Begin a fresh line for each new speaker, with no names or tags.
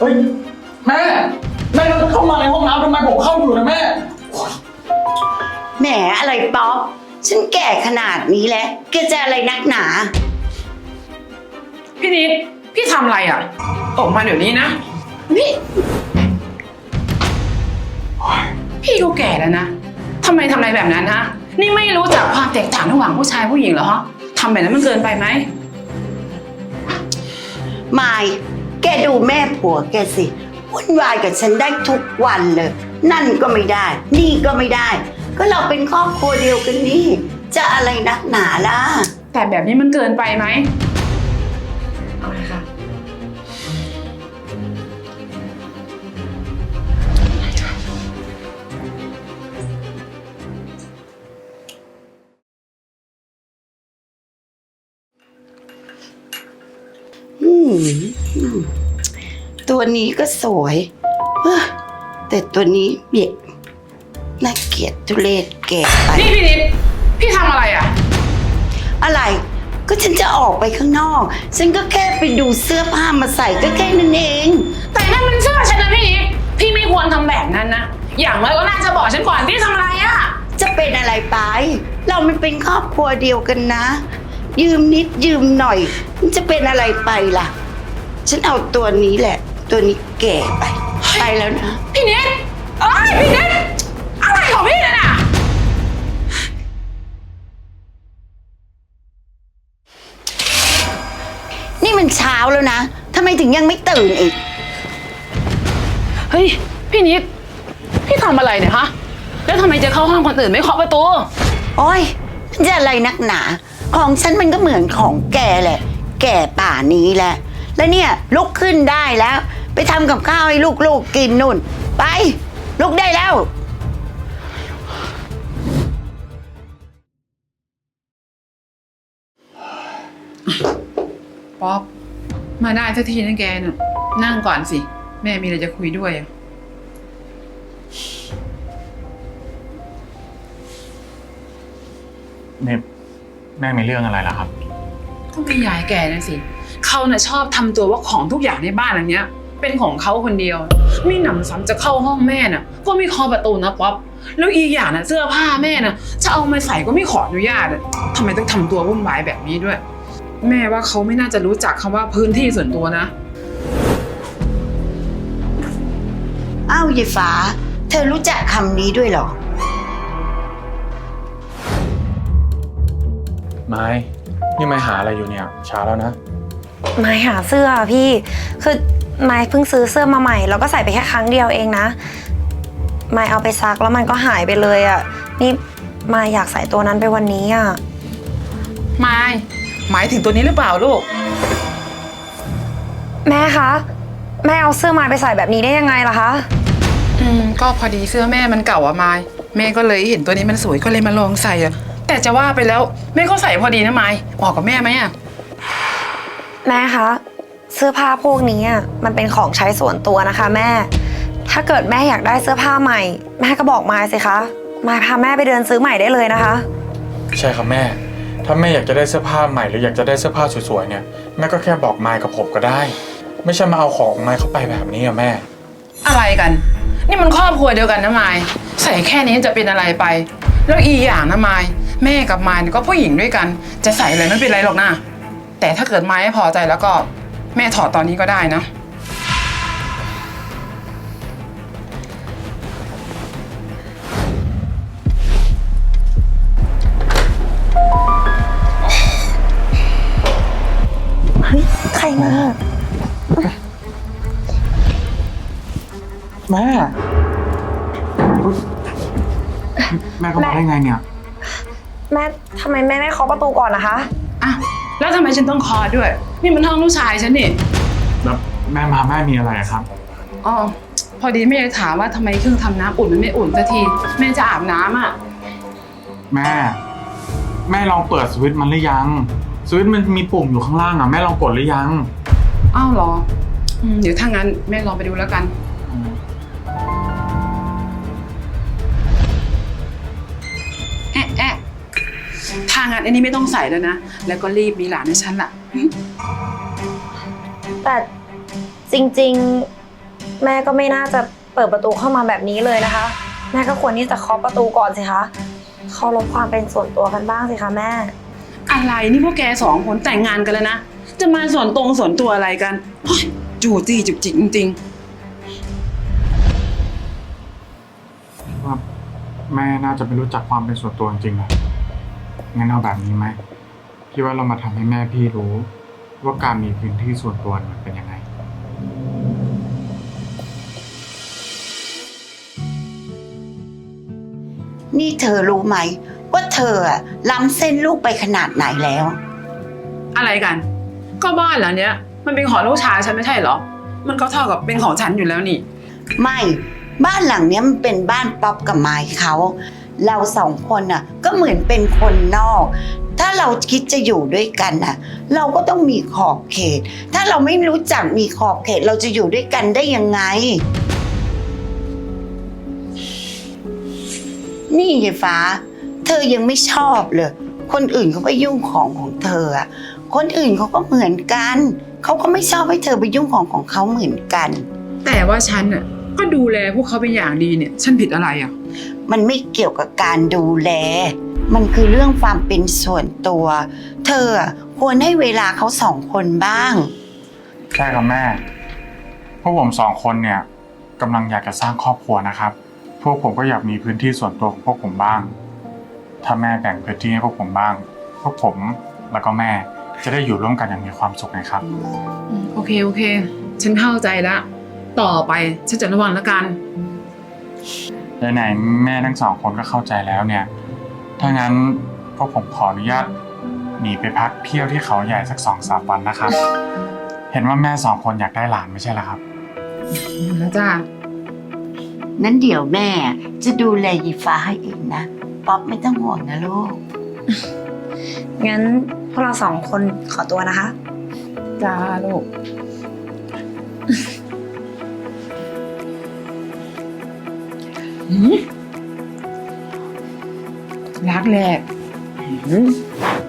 ฮ้ยแม่เข้ามาในห้องน้ำทำไมผมเข้าอยู่นะแม่
แหมอะไรป๊อปฉันแก่ขนาดนี้แล้วแกจะอะไรนักหนา
พี่นิดพี่ทำอะไรอ่ะออกมาเดี๋ยวนี้นะพี่ก็แก่แล้วนะทำไมทำอะไรแบบนั้นฮะนี่ไม่รู้จักความแตกต่างระหว่างผู้ชายผู้หญิงเหรอฮะทำแบบนั้นมันเกินไปไหม
ไม่แกดูแม่ผัวแกสิวุ่นวายกับฉันได้ทุกวันเลยนั่นก็ไม่ได้นี่ก็ไม่ได้ก็เราเป็นครอบครัวเดียวกันนี่จะอะไรนักหนาล่ะ
แต่แบบนี้มันเกินไปไหมเอาไงคะ
ตัวนี้ก็สวยแต่ตัวนี้เบียดน่าเกลียดทุเรศแก่ไป
นี่พี่นิดพี่ทำอะไรอ่ะ
อะไรก็ฉันจะออกไปข้างนอกฉันก็แค่ไปดูเสื้อผ้ามาใส่ก็แค่นั้นเอง
แต่นั่นมันเสื้อฉันนะพี่นิดพี่ไม่ควรทำแบบนั้นนะอย่างน้อยก็น่าจะบอกฉันก่อนพี่ทำอะไรอ่ะ
จะเป็นอะไรไปเรามันเป็นครอบครัวเดียวกันนะยืมนิดยืมหน่อยมันจะเป็นอะไรไปล่ะฉันเอาตัวนี้แหละตัวนี้แก่ไปแล้วนะ
พี่นิดพี่นิดอะไรของพี่น่ะ
นี่มันเช้าแล้วนะทำไมถึงยังไม่ตื่นอีก
เฮ้ยพี่นิดพี่ทำอะไรเนี่ยฮะแล้วทำไมจะเข้าห้องคนอื่นไม่เคาะประตู
โอ้ยจะอะไรนักหนาของฉันมันก็เหมือนของแกแหละแก่ป่านี้แหละแล้วเนี่ยลุกขึ้นได้แล้วไปทำกับข้าวให้ลูกๆกินนู่นไปลุกได้แล้ว
ป๊อปมาได้สักทีนะแกน่ะนั่งก่อนสิแม่มีอะไรจะคุยด้วย
เนี่ยแม่มีเรื่องอะไรล่ะครับ
ก็ไม่ยายแกนะสิเขาน่ะชอบทำตัวว่าของทุกอย่างในบ้านอันเนี้ยเป็นของเขาคนเดียวไม่หนำซ้ำจะเข้าห้องแม่น่ะก็ไม่เคาะประตูนะป๊อปแล้วอีกอย่างน่ะเสื้อผ้าแม่น่ะจะเอามาใส่ก็ไม่ขออนุญาตทำไมต้องทำตัววุ่นวายแบบนี้ด้วยแม่ว่าเขาไม่น่าจะรู้จักคำว่าพื้นที่ส่วนตัวนะ
อ้าวยายฟ้าเธอรู้จักคำนี้ด้วยเหรอ
ไม้นี่ไม่หาอะไรอยู่เนี่ยช้าแล้วนะ
ไม่หาเสื้อพี่คือไม่เพิ่งซื้อเสื้อมาใหม่แล้วก็ใส่ไปแค่ครั้งเดียวเองนะไม่เอาไปซักแล้วมันก็หายไปเลยอ่ะนี่ไม่อยากใส่ตัวนั้นไปวันนี้อ่ะ
ไม่หมายถึงตัวนี้หรือเปล่าลูก
แม่คะแม่เอาเสื้อมาไปใส่แบบนี้ได้ยังไงล่ะคะ
ก็พอดีเสื้อแม่มันเก่าอะไม้แม่ก็เลยเห็นตัวนี้มันสวยก็เลยมาลองใส่อะแต่จะว่าไปแล้วแม่ก็ใส่พอดีนะไม้เหมาะกับแม่ไหมอะ
แม่คะเสื้อผ้าพวกนี้มันเป็นของใช้ส่วนตัวนะคะแม่ถ้าเกิดแม่อยากได้เสื้อผ้าใหม่แม่ก็บอกมายสิคะมายพาแม่ไปเดินซื้อใหม่ได้เลยนะคะ
ใช่ครับแม่ถ้าแม่อยากจะได้เสื้อผ้าใหม่หรืออยากจะได้เสื้อผ้าสวยๆเนี่ยแม่ก็แค่บอกมายกับผมก็ได้ไม่ใช่มาเอาของมายเข้าไปแบบนี้อะแม่
อะไรกันนี่มันครอบครัวเดียวกันนะไม้ใส่แค่นี้จะเป็นอะไรไปแล้วอีอย่างนะไม้แม่กับไม้ก็ผู้หญิงด้วยกันจะใส่อะไรไม่เป็นไรหรอกนะแต่ถ้าเกิดไม้ไม่พอใจแล้วก็แม่ถอดตอนนี้ก็ได้นะ
เฮ้ยใครมา
แม่ก็มาได้ไงเนี่ย
แม่ทำไมแม่ไม่เคาะประตูก่อนนะคะ
อ่ะแล้วทำไมฉันต้องเคาะด้วยนี่มันห้องลูกชายฉันนี่
แล้วแม่มีอะไรครับ
อ๋อพอดีแม่ถามว่าทำไมเครื่องทำน้ำอุ่นมันไม่อุ่นสักทีแม่จะอาบน้ำอ่ะ
แม่ลองเปิดสวิตช์มันหรือยังสวิตช์มันมีปุ่มอยู่ข้างล่างอ่ะแม่ลองกดหรือยัง
อ้าวเหรอเดี๋ยวถ้างั้นแม่ลองไปดูแล้วกันถ้างั้นอันนี้ไม่ต้องใส่แล้วนะแล้วก็รีบมีหลานให้ฉันล่ะ
แต่จริงแม่ก็ไม่น่าจะเปิดประตูเข้ามาแบบนี้เลยนะคะ แม่ก็ควรที่จะเคาะประตูก่อนสิคะเคารพความเป็นส่วนตัวกันบ้างสิคะแม่
อะไรนี่พวกแกสองคนแต่งงานกันแล้วนะ จะมาส่วนตัวอะไรกันโอ๊ยจู้จี้จุกจิกจริงๆ
ว่าแม่น่าจะไม่รู้จักความเป็นส่วนตัวจริงๆนะงั้นเอาแบบนี้ไหมพี่ว่าเรามาทำให้แม่พี่รู้ ว่าการมีพื้นที่ส่วนตัวมันเป็นยังไง
นี่เธอรู้ไหมว่าเธออะล้ำเส้นลูกไปขนาดไหนแล้ว
อะไรกัน ก็บ้านหลังเนี้ย มันเป็นของลูกชายฉันไม่ใช่เหรอ มันก็เท่ากับเป็นของฉันอยู่แล้วนี่
ไม่บ้านหลังเนี้ยมันเป็นบ้านป๊อปกับไม้เขาเราสองคนน่ะก็เหมือนเป็นคนนอก ถ้าเราคิดจะอยู่ด้วยกันน่ะ เราก็ต้องมีขอบเขต ถ้าเราไม่รู้จักมีขอบเขตเราจะอยู่ด้วยกันได้ยังไง นี่ยายฟ้า เธอยังไม่ชอบเลยคนอื่นเขาไปยุ่งของเธออะคนอื่นเขาก็เหมือนกันเขาก็ไม่ชอบให้เธอไปยุ่งของเขาเหมือนกัน
แต่ว่าฉันน่ะก็ดูแลพวกเขาเป็นอย่างดีเนี่ย ฉันผิดอะไรอ่ะ
มันไม่เกี่ยวกับการดูแล มันคือเรื่องความเป็นส่วนตัว เธอควรให้เวลาเขาสองคนบ้าง
ใช่ครับแม่ พวกผมสองคนเนี่ยกำลังอยากจะสร้างครอบครัวนะครับ พวกผมก็อยากมีพื้นที่ส่วนตัวของพวกผมบ้าง ถ้าแม่แบ่งพื้นที่ให้พวกผมบ้าง พวกผมแล้วก็แม่จะได้อยู่ร่วมกันอย่างมีความสุขไงครับ
โอเค ฉันเข้าใจแล้ว ต่อไปฉันจะระวังแล้วกัน
ไหนๆแม่ทั้งสองคนก็เข้าใจแล้วเนี่ย ถ้างั้นพวกผมขออนุญาตหนีไปพักเที่ยวที่เขาใหญ่สัก 2-3 วันนะครับ เห็นว่าแม่สองคนอยากได้หลานไม่ใช่เหรอครับ
แล้วจ้า
นั้นเดี๋ยวแม่จะดูแลยีฟ้าให้เองนะ ป๊อปไม่ต้องห่วงนะลูก
งั้นพวกเราสองคนขอตัวนะคะ
จ้าลูก รักแรก